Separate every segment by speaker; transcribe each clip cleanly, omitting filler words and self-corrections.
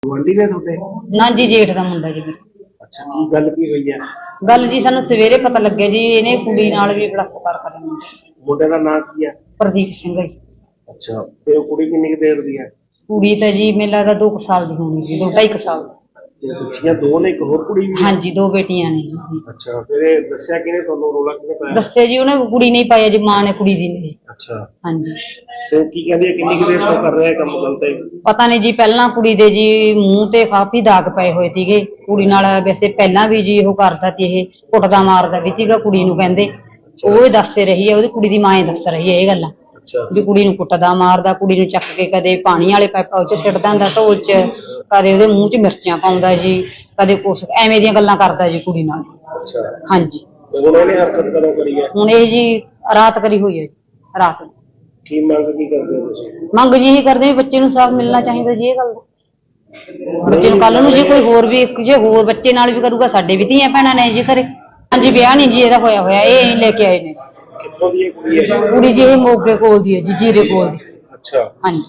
Speaker 1: ਗੁਆਂਢੀ ਨੇ ਤੁਹਾਡੇ?
Speaker 2: ਨਾ ਜੀ, ਜੇਠ ਦਾ ਮੁੰਡਾ ਜੀ ਮੇਰਾ।
Speaker 1: ਅੱਛਾ, ਕੀ ਗੱਲ ਕੀ ਹੋਈ ਹੈ?
Speaker 2: ਗੱਲ ਜੀ ਸਾਨੂੰ ਸਵੇਰੇ ਪਤਾ ਲੱਗਿਆ ਜੀ, ਇਹਨੇ ਕੁੜੀ ਨਾਲ ਵੀ ਬਲਾਤਕਾਰ ਕਰਿਆ
Speaker 1: ਮੁੰਡੇ ਦਾ ਨਾਂ ਕੀ ਹੈ?
Speaker 2: ਪ੍ਰਦੀਪ ਸਿੰਘ ਜੀ।
Speaker 1: ਅੱਛਾ, ਤੇ ਉਹ ਕੁੜੀ ਕਿੰਨੀ ਕੁ ਦੇਰ ਦੀ ਹੈ?
Speaker 2: ਕੁੜੀ ਤਾਂ ਜੀ ਮੈਨੂੰ ਲੱਗਦਾ 2 ਸਾਲ ਦੀ ਹੋਣੀ ਜੀ, 2-2.5 ਸਾਲ ਦੀ।
Speaker 1: ਤੇ ਬੱਚੀਆਂ ਦੋ ਨੇ, ਇੱਕ ਹੋਰ ਕੁੜੀ ਵੀ ਹੈ?
Speaker 2: ਹਾਂਜੀ, 2 ਬੇਟੀਆਂ ਨੇ ਜੀ।
Speaker 1: ਅੱਛਾ, ਫਿਰ ਇਹ ਦੱਸਿਆ ਕਿਹਨੇ ਤੁਹਾਨੂੰ, ਰੋਲਾ ਕਿਹਨੇ ਪਾਇਆ?
Speaker 2: ਦੱਸਿਆ ਜੀ ਉਹਨੇ, ਕੁੜੀ ਨਹੀਂ ਪਾਇਆ ਜੀ, ਮਾਂ ਨੇ ਕੁੜੀ ਦੀ ਨੇ।
Speaker 1: ਅੱਛਾ,
Speaker 2: ਹਾਂਜੀ।
Speaker 1: ਤੇ ਉਹ ਕੀ ਕਹਿੰਦੀ ਹੈ, ਕਿੰਨੀ ਕੁ ਦੇਰ ਤੋਂ ਕਰ ਰਿਹਾ ਕੰਮ ਗਲਤ ਹੈ?
Speaker 2: ਪਤਾ ਨਹੀਂ ਜੀ, ਪਹਿਲਾਂ ਕੁੜੀ ਦੇ ਜੀ ਮੂੰਹ ਤੇ ਕਾਫੀ ਦਾਗ ਪਏ ਹੋਏ ਸੀਗੇ। ਕੁੜੀ ਨਾਲ ਵੈਸੇ ਪਹਿਲਾਂ ਵੀ ਜੀ ਉਹ ਕਰਦਾ ਸੀ, ਇਹ ਕੁੱਟਦਾ ਮਾਰਦਾ ਵੀ ਸੀਗਾ ਕੁੜੀ ਨੂੰ, ਕਹਿੰਦੇ ਉਹ ਦੱਸ ਰਹੀ ਹੈ, ਉਹਦੀ ਕੁੜੀ ਦੀ ਮਾਂ ਹੀ ਦੱਸ ਰਹੀ ਹੈ ਇਹ ਗੱਲਾਂ ਵੀ ਕੁੜੀ ਨੂੰ ਕੁੱਟਦਾ ਮਾਰਦਾ, ਕੁੜੀ ਨੂੰ ਚੱਕ ਕੇ ਕਦੇ ਪਾਣੀ ਵਾਲੇ ਪਾਈਪਾਂ 'ਚ ਸਿੱਟਦਾ ਹੁੰਦਾ ਢੋਲ 'ਚ, ਕਦੇ ਉਹਦੇ ਮੂੰਹ 'ਚ ਮਿਰਚਾਂ ਪਾਉਂਦਾ ਜੀ, ਕਦੇ ਕੁਛ ਐਵੇਂ ਦੀਆਂ ਗੱਲਾਂ ਕਰਦਾ ਜੀ ਕੁੜੀ ਨਾਲ।
Speaker 1: ਅੱਛਾ,
Speaker 2: ਹਾਂਜੀ।
Speaker 1: ਹੁਣ ਇਹਨੇ ਹਰਕਤ ਕਦੋਂ ਕਰੀ ਹੈ?
Speaker 2: ਹੁਣ ਇਹ ਜੀ ਰਾਤ ਕਰੀ ਹੋਈ ਹੈ ਜੀ, ਰਾਤ ਨੂੰ।
Speaker 1: ਕੀ ਮੰਗ ਕੀ ਕਰਦੇ ਹੋ ਤੁਸੀਂ?
Speaker 2: ਮੰਗ ਜੀ ਇਹੀ ਕਰਦੇ ਵੀ ਬੱਚੇ ਨੂੰ ਸਾਫ਼ ਮਿਲਣਾ ਚਾਹੀਦਾ ਜੀ, ਇਹ ਗੱਲ ਦਾ। ਬੱਚੇ ਨੂੰ ਕੱਲ ਨੂੰ ਜੇ ਕੋਈ ਹੋਰ ਵੀ, ਜੇ ਹੋਰ ਬੱਚੇ ਨਾਲ ਵੀ ਕਰੂਗਾ, ਸਾਡੇ ਵੀ ਧੀਆਂ ਭੈਣਾਂ ਨੇ ਜੀ ਘਰੇ। ਹਾਂਜੀ, ਵਿਆਹ ਨਹੀਂ ਜੀ ਇਹਦਾ ਹੋਇਆ, ਇਹ ਲੈ ਕੇ ਆਏ ਨੇ।
Speaker 1: ਕਿੱਥੋਂ ਦੀ ਇਹ ਕੁੜੀ ਹੈ?
Speaker 2: ਕੁੜੀ ਜੀ ਇਹ ਮੋਗੇ ਕੋਲ ਦੀ ਹੈ ਜੀ, ਜੀਰੇ ਕੋਲ ਦੀ।
Speaker 1: ਅੱਛਾ,
Speaker 2: ਹਾਂਜੀ।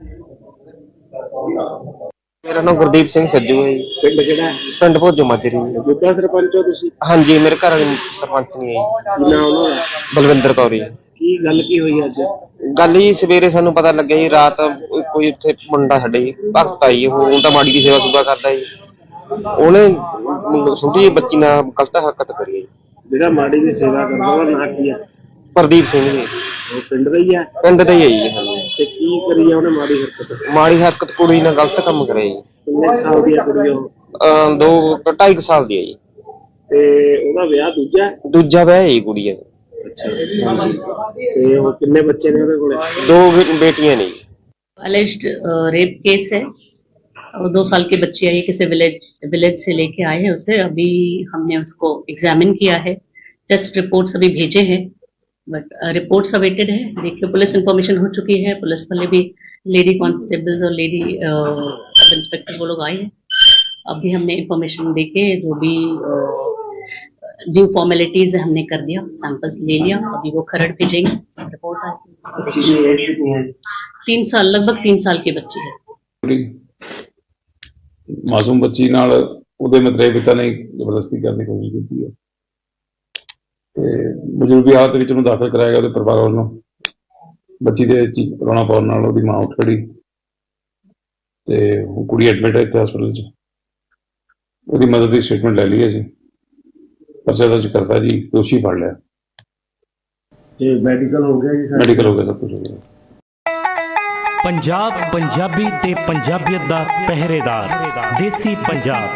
Speaker 3: ਮੇਰਾ ਨਾਮ ਗੁਰਦੀਪ ਸਿੰਘ ਸੱਜੂ ਹੈ ਜੀ।
Speaker 1: ਪਿੰਡ ਕਿਹੜਾ ਹੈ?
Speaker 3: ਪਿੰਡ ਭੋਜੋ ਮਾਜਰੀ।
Speaker 1: ਮੌਜੂਦਾ ਸਰਪੰਚ ਹੋ ਤੁਸੀਂ?
Speaker 3: ਹਾਂਜੀ, ਮੇਰੇ ਘਰ ਵਾਲੀ ਸਰਪੰਚ ਨਹੀਂ ਹੈ ਜੀ।
Speaker 1: ਕੀ ਨਾਮ ਉਹਨਾਂ ਦਾ?
Speaker 3: ਬਲਵਿੰਦਰ ਕੌਰ ਜੀ।
Speaker 1: ਕੀ ਗੱਲ ਕੀ ਹੋਈ ਅੱਜ?
Speaker 3: ਗੱਲ ਜੀ ਸਵੇਰੇ ਸਾਨੂੰ ਪਤਾ ਲੱਗਿਆ ਜੀ, ਰਾਤ ਕੋਈ ਉੱਥੇ ਮੁੰਡਾ ਸਾਡੇ ਜੀ ਭਗਤ ਆਈ, ਉਹ ਤਾਂ ਮਾੜੀ ਦੀ ਸੇਵਾ ਸੁਭਾ ਕਰਦਾ ਜੀ, ਉਹਨੇ ਛੋਟੀ ਜਿਹੀ ਬੱਚੀ ਨਾਲ ਗਲਤ ਹਰਕਤ ਕਰੀ ਹੈ ਜੀ।
Speaker 1: ਜਿਹੜਾ ਮਾੜੀ ਦੀ ਸੇਵਾ ਕਰਦਾ ਉਹਦਾ ਨਾਂ ਕੀ ਹੈ?
Speaker 3: ਪ੍ਰਦੀਪ ਸਿੰਘ ਜੀ।
Speaker 1: ਉਹ ਪਿੰਡ ਦਾ ਹੀ ਹੈ?
Speaker 3: ਪਿੰਡ ਦਾ ਹੀ ਹੈ ਜੀ। ਹਾਂਜੀ।
Speaker 1: ਤੇ ਕੀ ਕਰੀ ਹੈ ਉਹਨੇ ਮਾੜੀ ਹਰਕਤ?
Speaker 3: ਮਾੜੀ ਹਰਕਤ ਕੁੜੀ ਨਾਲ ਗਲਤ ਕੰਮ ਕਰਿਆ ਜੀ।
Speaker 1: ਕਿੰਨੇ ਕੁ ਸਾਲ ਦੀ ਹੈ ਕੁੜੀ ਉਹ?
Speaker 3: 2-2.5 ਸਾਲ ਦੀ ਹੈ ਜੀ।
Speaker 1: ਤੇ ਉਹਦਾ ਵਿਆਹ ਦੂਜਾ ਹੈ?
Speaker 3: ਦੂਜਾ ਵਿਆਹ ਹੈ ਜੀ ਕੁੜੀ ਦਾ।
Speaker 1: ਅੱਛਾ, ਤੇ ਉਹ ਕਿੰਨੇ ਬੱਚੇ ਨੇ ਉਹਦੇ ਕੋਲੇ?
Speaker 3: 2 ਬੇਟੀਆਂ ਨੇ ਜੀ।
Speaker 4: अलेज्ड रेप केस है और 2 साल की बच्ची आई, किसी विलेज से लेके आए हैं उसे। अभी हमने उसको एग्जामिन किया है, टेस्ट रिपोर्ट्स अभी भेजे हैं, बट रिपोर्ट्स अवेटेड है। देखिए, पुलिस इंफॉर्मेशन हो चुकी है, पुलिस वाले भी, लेडी कांस्टेबल्स और लेडी सब इंस्पेक्टर वो लोग आए हैं। अभी हमने इंफॉर्मेशन देके जो भी जो फॉर्मेलिटीज हमने कर दिया, सैंपल्स ले लिया, अभी वो खरड़ भेजेंगे, रिपोर्ट आएगी। 3 साल, लगभग 3 साल की बच्ची है।
Speaker 5: मासूम बच्ची नाल ਉਹਦੇ ਮਤਰੇਏ ਪਿਤਾ ਨੇ ਜ਼ਬਰਦਸਤੀ ਕਰਨ ਦੀ ਕੋਸ਼ਿਸ਼ ਕੀਤੀ ਹੈ ਤੇ ਬਜ਼ੁਰਗੀ ਹਾਲਤ ਵਿੱਚ ਉਹਨੂੰ ਦਾਖਲ ਕਰਾਇਆ ਗਿਆ ਉਹਦੇ ਪਰਿਵਾਰ ਵੱਲੋਂ। ਬੱਚੀ ਦੇ ਰੋਣਾ ਪਾਉਣ ਨਾਲ ਉਹਦੀ ਮਾਂ ਉੱਠ ਖੜੀ ਤੇ ਉਹ ਕੁੜੀ ਐਡਮਿਟ ਹੈ ਇੱਥੇ ਹਸਪਤਾਲ 'ਚ। ਉਹਦੀ ਮਦਦ ਦੀ ਸਟੇਟਮੈਂਟ ਲੈ ਲਈ ਅਸੀਂ, ਪਰਚਾ ਦਰਜ ਕਰਤਾ ਜੀ, ਦੋਸ਼ੀ ਫੜ ਲਿਆ।
Speaker 1: ਤੇ ਮੈਡੀਕਲ ਹੋ ਗਿਆ ਜੀ?
Speaker 5: ਮੈਡੀਕਲ ਹੋ ਗਿਆ, ਸਭ ਕੁਝ ਹੋ ਗਿਆ।
Speaker 6: पंजाब पंजाबी ते पंजाबियत दा पहरेदार, देसी पंजाब।